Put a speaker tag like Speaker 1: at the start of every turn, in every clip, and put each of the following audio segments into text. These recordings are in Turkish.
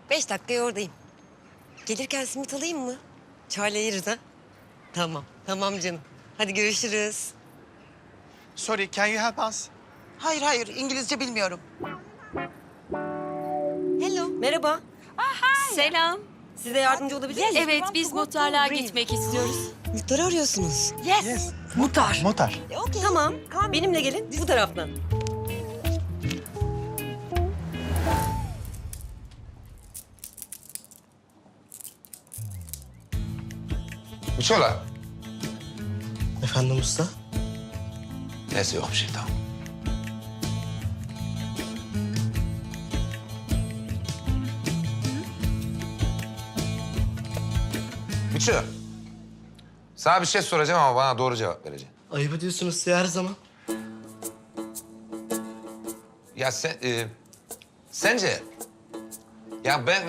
Speaker 1: 5 dakikaya oradayım. Gelirken simit alayım mı? Çayla yeriz ha? Tamam, tamam canım. Hadi görüşürüz.
Speaker 2: Sorry, can you help us?
Speaker 3: Hayır hayır İngilizce bilmiyorum.
Speaker 1: Hello. Merhaba.
Speaker 4: Selam.
Speaker 1: Size yardımcı olabilir miyim?
Speaker 4: Evet, biz muhtarlığa gitmek istiyoruz.
Speaker 1: Muhtarı arıyorsunuz.
Speaker 2: Yes.
Speaker 1: Muhtar.
Speaker 2: Muhtar.
Speaker 1: Tamam. Benimle gelin bu taraftan.
Speaker 5: Uçola.
Speaker 6: Efendim usta?
Speaker 5: Neyse yok bir şey tamam. Uço. Sana bir şey soracağım ama bana doğru cevap vereceksin.
Speaker 6: Ayıp ediyorsunuz size her zaman.
Speaker 5: Ya sence ya ben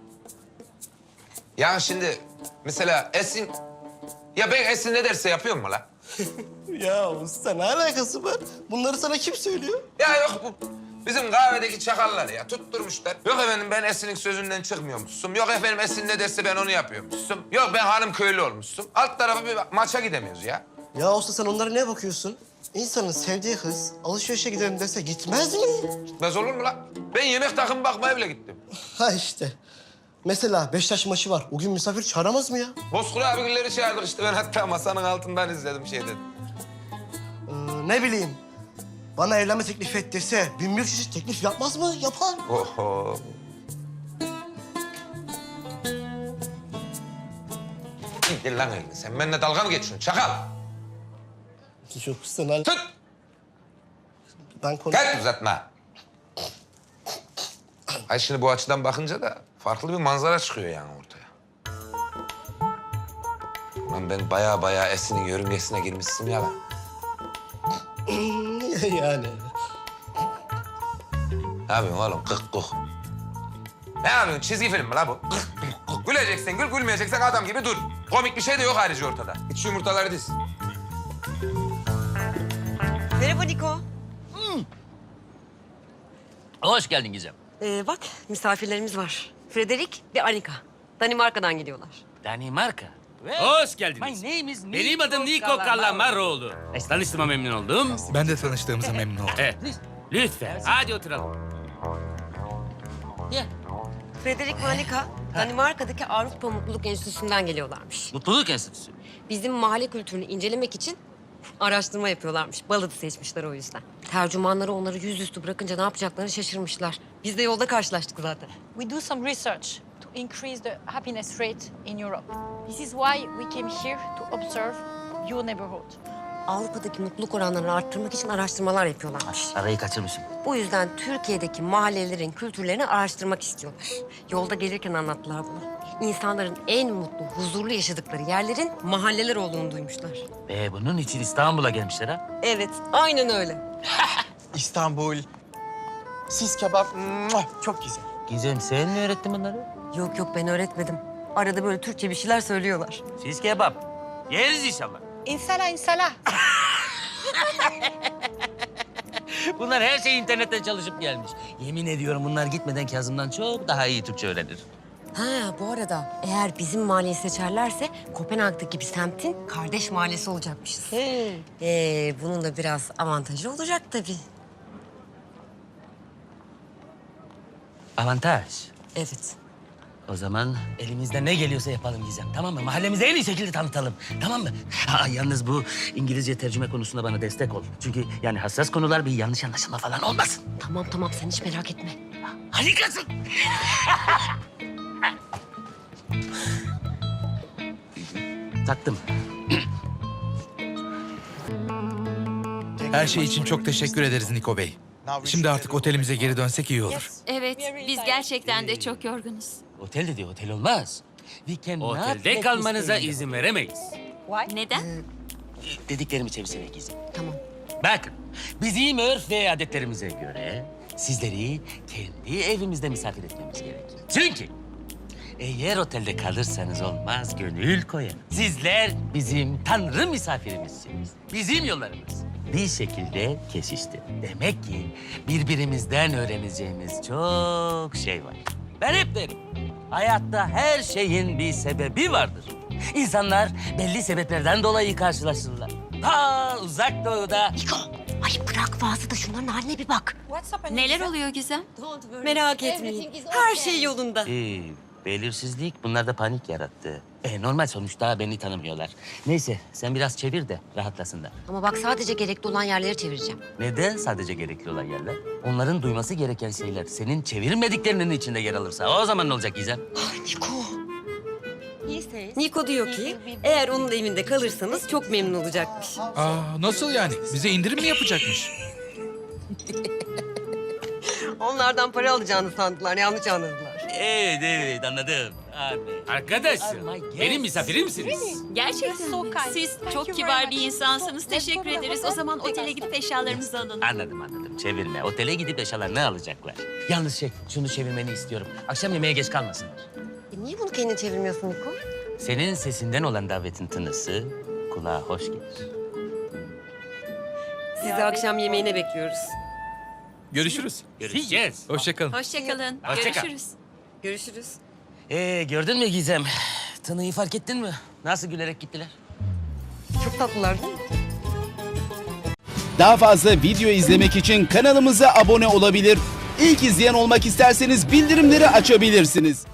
Speaker 5: ya şimdi mesela Esin ya ben Esin ne derse yapıyor mu la?
Speaker 6: Ya usta ne alakası var? Bunları sana kim söylüyor?
Speaker 5: Ya yok bu bizim kahvedeki çakallar ya tutturmuşlar. Yok efendim ben Esin'in sözünden çıkmıyormuşsun. Yok efendim Esin ne derse ben onu yapıyormuşsun. Yok ben hanım köylü olmuşsun. Alt tarafı bir maça gidemiyoruz ya.
Speaker 6: Ya usta sen onlara ne bakıyorsun? İnsanın sevdiği kız alışverişe gidelim dese gitmez mi?
Speaker 5: Gitmez olur mu la? Ben yemek takımı bakmaya bile gittim.
Speaker 6: Ha işte. Mesela Beşiktaş maçı var. O gün misafir çağıramaz mı ya?
Speaker 5: Bozkuru abigilleri çağırdık işte. Ben hatta masanın altından izledim şeyden.
Speaker 6: Ne bileyim. Bana evlenme teklif et dese 1001 çeşit teklif yapmaz mı? Yapar.
Speaker 5: Oho. İndir lan elini. Sen benimle dalga mı geçiyorsun çakal?
Speaker 6: Yok usta ne
Speaker 5: Tut!
Speaker 6: Ben konuş...
Speaker 5: Gel uzatma. Ay şimdi bu açıdan bakınca da farklı bir manzara çıkıyor yani ortaya. Lan ben baya Esin'in yörüngesine girmişsin ya lan.
Speaker 6: yani.
Speaker 5: Ne yapıyorsun oğlum? Kık kuk. Ne yapıyorsun? Çizgi film mi la bu? Kık kuk. Güleceksen gül, gülmeyeceksen adam gibi dur. Komik bir şey de yok ayrıca ortada. Git şu yumurtaları diz.
Speaker 1: Merhaba Niko.
Speaker 7: Hoş geldin Gizem.
Speaker 1: Bak misafirlerimiz var. Frederik ve Anika. Danimarka'dan geliyorlar.
Speaker 7: Danimarka.
Speaker 8: Hoş geldiniz.
Speaker 7: My name is
Speaker 8: Benim adım Niko Kalamaroğlu. Tanıştığıma memnun oldum.
Speaker 2: Ben de tanıştığımıza memnun oldum.
Speaker 8: Evet, lütfen. Hadi oturalım.
Speaker 7: Yeah.
Speaker 1: Frederik ve Anika Danimarka'daki Avrupa Mutluluk Enstitüsü'nden geliyorlarmış.
Speaker 7: Mutluluk Enstitüsü.
Speaker 1: Bizim mahalle kültürünü incelemek için araştırma yapıyorlarmış. Balık'ı seçmişler o yüzden. Tercümanları onları yüzüstü bırakınca ne yapacaklarını şaşırmışlar. Biz de yolda karşılaştık zaten.
Speaker 9: We do some research to increase the happiness rate in Europe. This is why we came here to observe your neighborhood.
Speaker 1: Avrupa'daki mutluluk oranlarını arttırmak için araştırmalar yapıyorlarmış.
Speaker 7: Arayı kaçırmışım.
Speaker 1: Bu yüzden Türkiye'deki mahallelerin kültürlerini araştırmak istiyorlar. Yolda gelirken anlattılar bunu. İnsanların en mutlu, huzurlu yaşadıkları yerlerin mahalleler olduğunu duymuşlar.
Speaker 7: Bunun için İstanbul'a gelmişler ha.
Speaker 1: Evet, aynen öyle.
Speaker 2: İstanbul. Sis kebap. Çok güzel.
Speaker 7: Gizem sen mi öğrettin bunları?
Speaker 1: Yok yok ben öğretmedim. Arada böyle Türkçe bir şeyler söylüyorlar.
Speaker 7: Siz kebap. Yeriz inşallah.
Speaker 9: İnsala insala.
Speaker 7: Bunlar her şey internetten çalışıp gelmiş. Yemin ediyorum bunlar gitmeden Kazım'dan çok daha iyi Türkçe öğrenir.
Speaker 1: Ha bu arada eğer bizim mahalleyi seçerlerse Kopenhag'daki bir semtin kardeş mahallesi olacakmışız. Bunun da biraz avantajı olacak tabii.
Speaker 7: Avantaj.
Speaker 1: Evet.
Speaker 7: O zaman elimizden ne geliyorsa yapalım Gizem, tamam mı? Mahallemizi en iyi şekilde tanıtalım, tamam mı? Ha, yalnız bu İngilizce tercüme konusunda bana destek ol. Çünkü yani hassas konular, bir yanlış anlaşılma falan olmasın.
Speaker 1: Tamam tamam sen hiç merak etme.
Speaker 7: Harikasın. Taktım.
Speaker 10: Her şey için çok teşekkür ederiz Niko Bey. Şimdi artık otelimize geri dönsek iyi olur.
Speaker 4: Evet, biz gerçekten de çok yorgunuz.
Speaker 7: Otel dedi, otel olmaz. We cannot
Speaker 8: Otelde
Speaker 7: let
Speaker 8: kalmanıza
Speaker 7: this
Speaker 8: izin veremeyiz.
Speaker 4: Neden?
Speaker 7: Dediklerimi çevirsene Gizem.
Speaker 1: Tamam.
Speaker 7: Bakın, bizim örf ve adetlerimize göre sizleri kendi evimizde misafir etmemiz gerekir. Çünkü eğer otelde kalırsanız olmaz, gönül koyarım. Sizler bizim tanrı misafirimizsiniz. Bizim yollarımız bir şekilde kesişti. Demek ki birbirimizden öğreneceğimiz çok şey var. Ben hep derim. Hayatta her şeyin bir sebebi vardır. İnsanlar belli sebeplerden dolayı karşılaşırlar. Ta uzak doğuda.
Speaker 1: Niko, ay bırak vaazı da şunların haline bir bak.
Speaker 9: What's happening?
Speaker 4: Neler oluyor Gizem?
Speaker 1: Merak etmeyin. Her şey yolunda.
Speaker 7: Belirsizlik bunlarda panik yarattı. Normal sonuçta beni tanımıyorlar. Neyse sen biraz çevir de rahatlasınlar.
Speaker 1: Ama bak sadece gerekli olan yerleri çevireceğim.
Speaker 7: Neden sadece gerekli olan yerler? Onların duyması gereken şeyler senin çevirmediklerinin içinde yer alırsa o zaman ne olacak Gizem?
Speaker 1: Niko. Niko diyor ki eğer onun evinde kalırsanız çok memnun olacakmış.
Speaker 10: Nasıl yani? Bize indirim mi yapacakmış?
Speaker 1: Onlardan para alacağını sandılar, yanlış anladılar.
Speaker 7: Evet anladım.
Speaker 8: Arkadaşım, benim misafirimsiniz.
Speaker 4: Gerçekten
Speaker 9: So
Speaker 4: mi?
Speaker 9: kind.
Speaker 4: Siz
Speaker 9: Thank
Speaker 4: çok
Speaker 9: you
Speaker 4: kibar
Speaker 9: very
Speaker 4: bir
Speaker 9: much.
Speaker 4: insansınız.
Speaker 9: Let's
Speaker 4: Teşekkür
Speaker 9: go to the
Speaker 4: ederiz. O
Speaker 9: hotel.
Speaker 4: zaman
Speaker 9: Take
Speaker 4: otele
Speaker 9: us.
Speaker 4: gidip eşyalarımızı alın.
Speaker 7: Anladım. Çevirme. Otele gidip eşyalar ne alacaklar? Yalnız şunu çevirmeni istiyorum. Akşam yemeğe geç kalmasınlar.
Speaker 1: Niye bunu kendin çevirmiyorsun Niko?
Speaker 7: Senin sesinden olan davetin tınısı kulağa hoş gelir.
Speaker 1: Sizi akşam yemeğine bekliyoruz.
Speaker 10: Görüşürüz.
Speaker 8: Görüşeceğiz.
Speaker 10: Hoşçakalın.
Speaker 4: Hoşçakalın.
Speaker 7: Hoşça kal.
Speaker 4: Görüşürüz.
Speaker 1: Görüşürüz.
Speaker 7: Gördün mü Gizem? Tınıyı fark ettin mi? Nasıl gülerek gittiler?
Speaker 1: Çok tatlılar değil mi?
Speaker 11: Daha fazla video izlemek için kanalımıza abone olabilir. İlk izleyen olmak isterseniz bildirimleri açabilirsiniz.